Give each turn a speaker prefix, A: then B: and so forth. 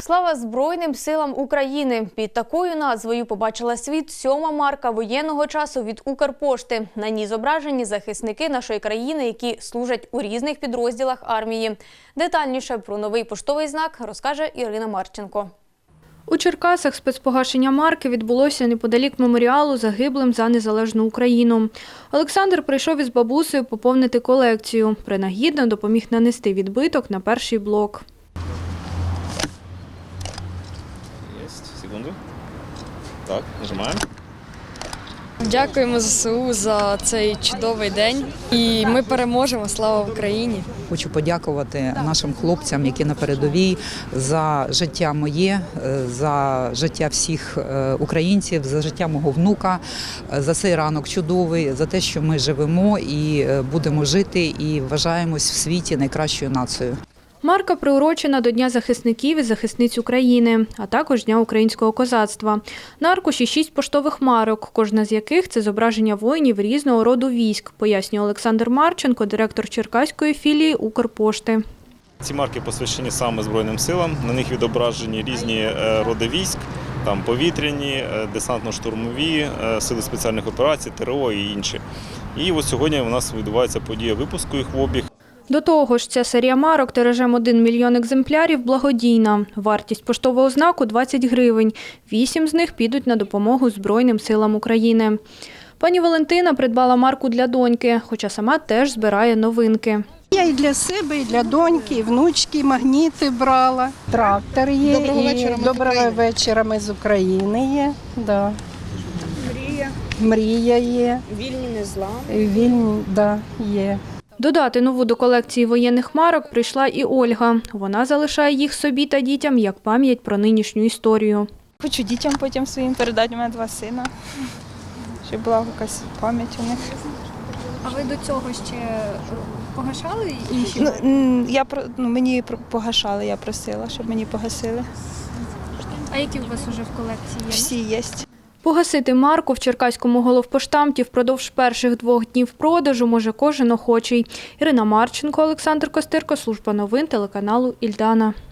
A: Слава Збройним силам України! Під такою назвою побачила світ 7-ма марка воєнного часу від Укрпошти. На ній зображені захисники нашої країни, які служать у різних підрозділах армії. Детальніше про новий поштовий знак розкаже Ірина Марченко.
B: У Черкасах спецпогашення марки відбулося неподалік меморіалу загиблим за незалежну Україну. Олександр прийшов із бабусею поповнити колекцію. Принагідно допоміг нанести відбиток на перший блок.
C: Секунду. Так, нажимаємо.
D: Дякуємо ЗСУ за цей чудовий день. І ми переможемо. Слава Україні!
E: Хочу подякувати нашим хлопцям, які на передовій, за життя моє, за життя всіх українців, за життя мого внука, за цей ранок чудовий, за те, що ми живемо і будемо жити, і вважаємось в світі найкращою нацією.
B: Марка приурочена до Дня захисників і захисниць України, а також Дня українського козацтва. На аркуші 6 поштових марок, кожна з яких – це зображення воїнів різного роду військ, пояснює Олександр Марченко, директор черкаської філії Укрпошти.
C: Ці марки посвящені саме Збройним силам, на них відображені різні роди військ, там повітряні, десантно-штурмові, сили спеціальних операцій, ТРО і інші. І ось сьогодні у нас відбувається подія випуску їх в обіг.
B: До того ж, ця серія марок тиражем 1 мільйон екземплярів благодійна. Вартість поштового знаку – 20 гривень. 8 з них підуть на допомогу Збройним силам України. Пані Валентина придбала марку для доньки, хоча сама теж збирає новинки.
F: Я і для себе, і для доньки, і внучки, магніти брала. Трактор є, доброго вечора ми з України є. Да. Мрія є.
G: Вільні незламні.
F: Вільні, да, є.
B: Додати нову до колекції воєнних марок прийшла і Ольга. Вона залишає їх собі та дітям як пам'ять про нинішню історію.
G: Хочу дітям потім своїм передати, у мене 2 сина, щоб була якась пам'ять у них.
H: А ви до цього ще погашали інші?
G: Мені погашали, я просила, щоб мені погасили.
H: А які у вас уже в колекції є?
G: Всі є.
B: Погасити марку в черкаському головпоштамті впродовж перших 2 днів продажу може кожен охочий. Ірина Марченко, Олександр Костирко, служба новин телеканалу «Ільдана».